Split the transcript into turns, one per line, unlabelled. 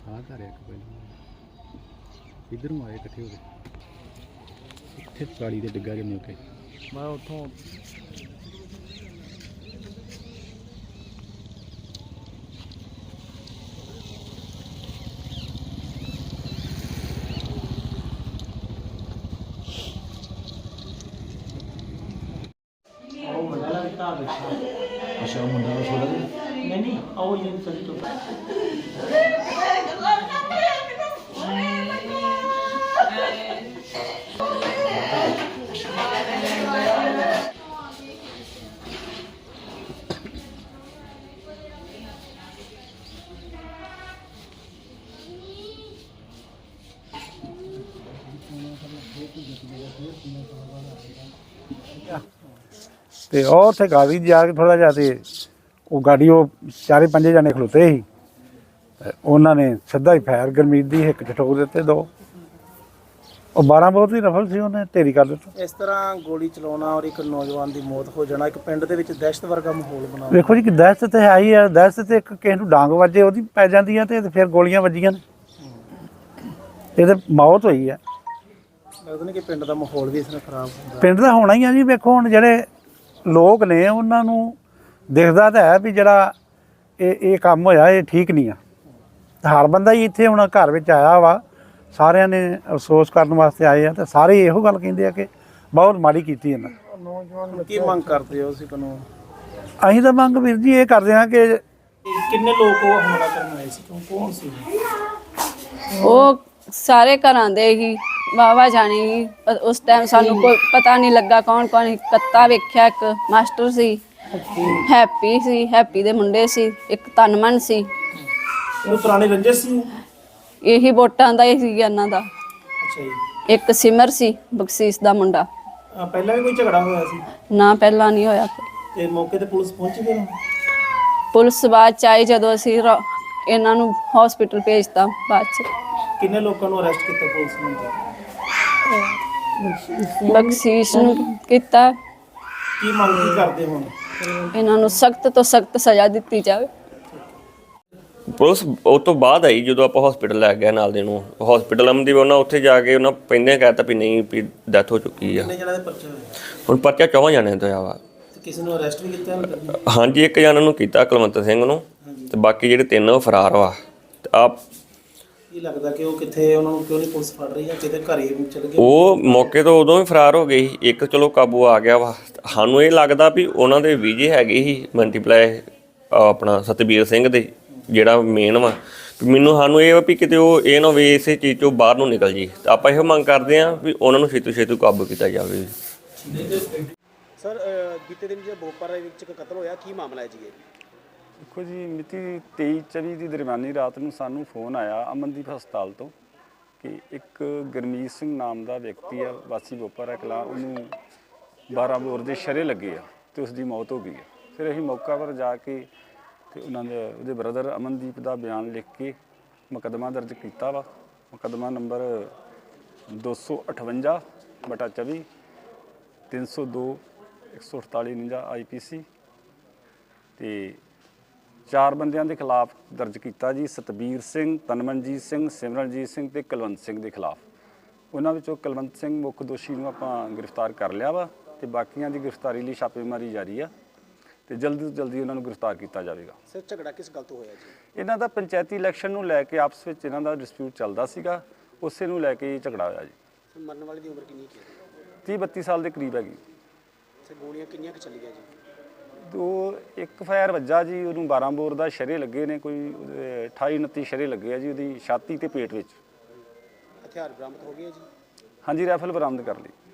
ਆਹ ਘਰ ਇੱਕ ਪਹਿਲਾਂ ਇੱਧਰੋਂ ਆਏ ਇਕੱਠੇ ਹੋ ਕੇ ਇੱਥੇ ਕਾਲੀ ਦੇ ਡਿੱਗਾ ਜੇ ਮੌਕੇ ਮੈਂ ਉੱਥੋਂ
अच्छा मुंडा छोड़ा नहीं आओ ये चल तो
ਤੇ ਉਹ ਉੱਥੇ ਗਾੜੀ ਜਾ ਕੇ ਥੋੜਾ ਜਿਹਾ ਤੇ ਉਹ ਗਾੜੀ ਉਹ ਚਾਰੇ ਪੰਜੇ ਜਣੇ ਖਲੋਤੇ ਸੀ ਤੇ ਉਹਨਾਂ ਨੇ ਸਿੱਧਾ ਹੀ ਫਾਇਰ ਗਰਮੀਤ ਦੀ ਹਿੱਕ 'ਚ ਠੋਕ ਦਿੱਤੇ ਦੋ। ਉਹ 12 ਬਹੁਤ ਹੀ ਰਫਲ ਸੀ, ਉਹਨੇ ਢੇਰੀ ਕਰ ਦਿੱਤਾ।
ਇਸ ਤਰ੍ਹਾਂ ਗੋਲੀ ਚਲਾਉਣਾ ਔਰ ਇੱਕ ਨੌਜਵਾਨ ਦੀ ਮੌਤ ਹੋ ਜਾਣਾ ਇੱਕ ਪਿੰਡ ਦੇ ਵਿੱਚ ਦਹਿਸ਼ਤ ਵਰਗਾ ਮਾਹੌਲ ਬਣਾ।
ਵੇਖੋ ਜੀ ਕਿ ਦਹਿਸ਼ਤ ਤੇ ਹੈ ਹੀ ਆ, ਦਹਿਸ਼ਤ ਤੇ ਇੱਕ ਕਿਸੇ ਨੂੰ ਡਾਂਗ ਵੱਜੇ ਉਹਦੀ ਪੈ ਜਾਂਦੀ ਆ ਤੇ ਫਿਰ ਗੋਲੀਆਂ ਵੱਜੀਆਂ ਨੇ, ਇਹ ਤੇ ਮੌਤ ਹੋਈ ਆ।
ਲੱਗਦਾ ਨਹੀਂ ਕਿ ਪਿੰਡ ਦਾ ਮਾਹੌਲ ਵੀ ਇਸ ਨਾਲ ਖਰਾਬ ਹੁੰਦਾ।
ਪਿੰਡ ਦਾ ਹੋਣਾ ਹੀ ਆ ਜੀ। ਵੇਖੋ ਹੁਣ ਜਿਹੜੇ ਲੋਕ ਨੇ ਉਹਨਾਂ ਨੂੰ ਦਿਖਦਾ ਤਾਂ ਹੈ ਵੀ ਜਿਹੜਾ ਇਹ ਕੰਮ ਹੋਇਆ ਇਹ ਠੀਕ ਨਹੀਂ ਆ। ਹਰ ਬੰਦਾ ਹੀ ਇੱਥੇ ਹੁਣ ਘਰ ਵਿੱਚ ਆਇਆ ਵਾ, ਸਾਰਿਆਂ ਨੇ ਅਫਸੋਸ ਕਰਨ ਵਾਸਤੇ ਆਏ ਆ ਤੇ ਸਾਰੇ ਇਹੋ ਗੱਲ ਕਹਿੰਦੇ ਆ ਕਿ ਬਹੁਤ ਮਾੜੀ ਕੀਤੀ ਇਹਨਾਂ।
ਨੌਜਵਾਨ ਕੀ ਮੰਗ ਕਰਦੇ ਹੋ ਤੁਸੀਂ ਕਾਨੂੰਨ?
ਅਸੀਂ ਤਾਂ ਮੰਗ ਵੀਰ ਜੀ ਇਹ ਕਰਦੇ ਹਾਂ ਕਿ
ਕਿੰਨੇ ਲੋਕ ਉਹ ਹਮਲਾ ਕਰਨ ਆਏ ਸੀ, ਕੌਣ ਸੀ?
ਉਹ ਸਾਰੇ ਘਰਾਂ ਦੇ ਹੀ ਵਾਵਾ ਜਾਣੇ ਹੀ। ਉਸ ਟਾਈਮ ਸਾਨੂੰ ਕੋਈ ਪਤਾ ਨਹੀਂ ਲੱਗਾ ਕੌਣ ਕੌਣ। ਕੱਤਾ ਵੇਖਿਆ, ਇੱਕ ਮਾਸਟਰ ਸੀ, ਹੈਪੀ ਸੀ, ਹੈਪੀ ਦੇ ਮੁੰਡੇ ਸੀ, ਇੱਕ ਤਨਮਨ ਸੀ।
ਉਹ ਪੁਰਾਣੇ ਰੰਜਿਸ਼ ਸੀ?
ਇਹੀ ਵੋਟਾਂ ਦਾ ਹੀ ਸੀ ਇਹਨਾਂ ਦਾ।
ਅੱਛਾ ਜੀ।
ਇੱਕ ਸਿਮਰ ਸੀ ਬਖਸ਼ੀਸ਼ ਦਾ ਮੁੰਡਾ।
ਪਹਿਲਾਂ ਵੀ ਕੋਈ ਝਗੜਾ ਹੋਇਆ ਸੀ?
ਨਾ ਪਹਿਲਾਂ ਨਹੀਂ ਹੋਇਆ।
ਤੇ ਮੌਕੇ ਤੇ ਪੁਲਿਸ ਪਹੁੰਚ ਗਈ ਨਾ?
ਪੁਲਿਸ ਬਾਅਦ ਚ ਆਈ ਜਦੋਂ ਅਸੀਂ ਇਹਨਾਂ ਨੂੰ ਹਸਪੀਟਲ ਭੇਜਤਾ ਬਾਅਦ ਚ।
ਕਿੰਨੇ ਲੋਕਾਂ ਨੂੰ ਅਰੈਸਟ ਕੀਤਾ ਪੁਲਿਸ ਨੇ?
ਬਖਸ਼ੀਸ਼ ਨੂੰ ਕੀਤਾ।
ਕੀ ਮੰਗ ਕੀ ਕਰਦੇ ਹੁਣ?
ਇਹਨਾਂ ਨੂੰ ਸਖਤ ਤੋਂ ਸਖਤ ਸਜ਼ਾ ਦਿੱਤੀ ਜਾਵੇ।
ਪੁਲਿਸ ਉਹ ਤੋਂ ਬਾਅਦ ਆਈ ਜਦੋਂ ਆਪਾਂ ਹਸਪੀਟਲ ਲੈ ਗਏ ਨਾਲ ਦੇ ਨੂੰ। ਹਸਪੀਟਲ ਅਮਨਦੀਪ ਉਹਨਾਂ ਉੱਥੇ ਜਾ ਕੇ ਉਹਨਾਂ ਪਹਿਲਾਂ ਕਹਿ ਤਾ ਵੀ ਨਹੀਂ ਵੀ ਡੈਥ ਹੋ ਚੁੱਕੀ ਆ।
ਕਿੰਨੇ ਜਣਾਂ ਦੇ ਪਰਚੇ ਹੋਏ?
ਹੁਣ ਪਰਚਾ 4 ਜਣਿਆਂ ਦਾ ਵਾ।
ਕਿਸੇ ਨੂੰ ਅਰੈਸਟ ਵੀ ਕੀਤਾ?
ਹਾਂਜੀ, ਇੱਕ ਜਣਾ ਨੂੰ ਕੀਤਾ ਕੁਲਵੰਤ ਸਿੰਘ ਨੂੰ, ਤੇ ਬਾਕੀ ਜਿਹੜੇ 3 ਉਹ ਫਰਾਰ ਵਾ। ਤੇ ਆਪ
ਕੀ ਲੱਗਦਾ ਕਿ ਉਹ ਕਿੱਥੇ, ਉਹਨਾਂ ਨੂੰ ਕਿਉਂ ਨਹੀਂ ਪੁਲਿਸ ਫੜ ਰਹੀ ਜਾਂ ਕਿਤੇ ਘਰੇ ਚਲ ਗਏ?
ਉਹ ਮੌਕੇ ਤੋਂ ਉਦੋਂ ਹੀ ਫਰਾਰ ਹੋ ਗਏ ਸੀ। ਇੱਕ ਚਲੋ ਕਾਬੂ ਆ ਗਿਆ ਵਾ। ਸਾਨੂੰ ਇਹ ਲੱਗਦਾ ਵੀ ਉਹਨਾਂ ਦੇ ਵੀਜੇ ਹੈਗੇ ਸੀ ਮਲਟੀਪਲਾਈ ਆਪਣਾ ਸਤਬੀਰ ਸਿੰਘ ਦੇ ਜਿਹੜਾ ਮੇਨ ਵਾ। ਮੈਨੂੰ ਸਾਨੂੰ ਇਹ ਵਾ ਵੀ ਕਿਤੇ ਉਹ ਇਹ ਨਾ ਹੋਵੇ ਇਸੇ ਚੀਜ਼ 'ਚੋਂ ਬਾਹਰ ਨੂੰ ਨਿਕਲ ਜੀ। ਤਾਂ ਆਪਾਂ ਇਹੋ ਮੰਗ ਕਰਦੇ ਹਾਂ ਵੀ ਉਹਨਾਂ ਨੂੰ ਛੇਤੀ ਕਾਬੂ ਕੀਤਾ ਜਾਵੇ।
ਸਰ ਬੀਤੇ ਦਿਨ ਜਿਹੜਾ ਬੋਪਰ ਵਿੱਚ ਇੱਕ ਕਤਲ ਹੋਇਆ, ਕੀ ਮਾਮਲਾ ਹੈ ਜੀ ਇਹ?
ਦੇਖੋ ਜੀ, ਮਿਤੀ 23-24 ਦੀ ਦਰਮਿਆਨੀ ਰਾਤ ਨੂੰ ਸਾਨੂੰ ਫੋਨ ਆਇਆ ਅਮਨਦੀਪ ਹਸਪਤਾਲ ਤੋਂ ਕਿ ਇੱਕ ਗੁਰਮੀਤ ਸਿੰਘ ਨਾਮ ਦਾ ਵਿਅਕਤੀ ਆ, ਵਾਸੀ ਬੋਪਰ ਕਲਾਂ, ਉਹਨੂੰ 12 ਬੋਰ ਦੇ ਸ਼ਰੇ ਲੱਗੇ ਆ ਤੇ ਉਸ ਦੀ ਮੌਤ ਹੋ ਗਈ ਆ। ਫਿਰ ਅਸੀਂ ਮੌਕਾ ਪਰ ਜਾ ਕੇ ਤੇ ਉਹਨਾਂ ਦੇ ਉਹਦੇ ਬ੍ਰਦਰ ਅਮਨਦੀਪ ਦਾ ਬਿਆਨ ਲਿਖ ਕੇ ਮੁਕੱਦਮਾ ਦਰਜ ਕੀਤਾ ਵਾ। ਮੁਕੱਦਮਾ ਨੰਬਰ 258/24 302 148 IPC ਤੇ 4 ਬੰਦਿਆਂ ਦੇ ਖਿਲਾਫ ਦਰਜ ਕੀਤਾ ਜੀ। ਸਤਬੀਰ ਸਿੰਘ, ਤਨਮਨਜੀਤ ਸਿੰਘ, ਸਿਮਰਨਜੀਤ ਸਿੰਘ ਤੇ ਕੁਲਵੰਤ ਸਿੰਘ ਦੇ ਖਿਲਾਫ। ਉਹਨਾਂ ਵਿੱਚੋਂ ਕੁਲਵੰਤ ਸਿੰਘ ਮੁੱਖ ਦੋਸ਼ੀ ਨੂੰ ਆਪਾਂ ਗ੍ਰਿਫਤਾਰ ਕਰ ਲਿਆ ਵਾ ਤੇ ਬਾਕੀਆਂ ਦੀ ਗ੍ਰਿਫਤਾਰੀ ਲਈ ਛਾਪੇਮਾਰੀ ਜਾਰੀ ਆ ਤੇ ਜਲਦੀ ਤੋਂ ਜਲਦੀ ਉਹਨਾਂ ਨੂੰ ਗ੍ਰਿਫਤਾਰ ਕੀਤਾ ਜਾਵੇਗਾ।
ਸਰ ਝਗੜਾ ਕਿਸ ਗੱਲ ਤੋਂ ਹੋਇਆ ਜੀ?
ਇਹਨਾਂ ਦਾ ਪੰਚਾਇਤੀ ਇਲੈਕਸ਼ਨ ਨੂੰ ਲੈ ਕੇ ਆਪਸ ਵਿੱਚ ਇਹਨਾਂ ਦਾ ਡਿਸਪਿਊਟ ਚੱਲਦਾ ਸੀਗਾ, ਉਸੇ ਨੂੰ ਲੈ ਕੇ ਝਗੜਾ ਹੋਇਆ ਜੀ।
ਸਰ ਮਰਨ ਵਾਲੇ ਦੀ ਉਮਰ ਕਿੰਨੀ ਹੈ?
30-32 ਸਾਲ ਦੇ ਕਰੀਬ ਹੈਗੀ।
ਸਰ ਗੋਲੀਆਂ ਕਿੰਨੀਆਂ ਕੁ ਚੱਲੀਆਂ ਜੀ?
ਇੱਕ ਫਾਇਰ ਵੱਜਾ ਜੀ, ਉਹਨੂੰ 12 ਬੋਰ ਦਾ ਸ਼ਰੇ ਲੱਗੇ ਨੇ, ਕੋਈ 28-29 ਸ਼ਰੇ ਲੱਗੇ ਆ ਜੀ ਉਹਦੀ ਛਾਤੀ ਤੇ ਪੇਟ ਵਿੱਚ।
ਹਥਿਆਰ ਬਰਾਮਦ ਹੋ ਗਏ ਜੀ?
ਹਾਂਜੀ, ਰਾਈਫਲ ਬਰਾਮਦ ਕਰ ਲਈ।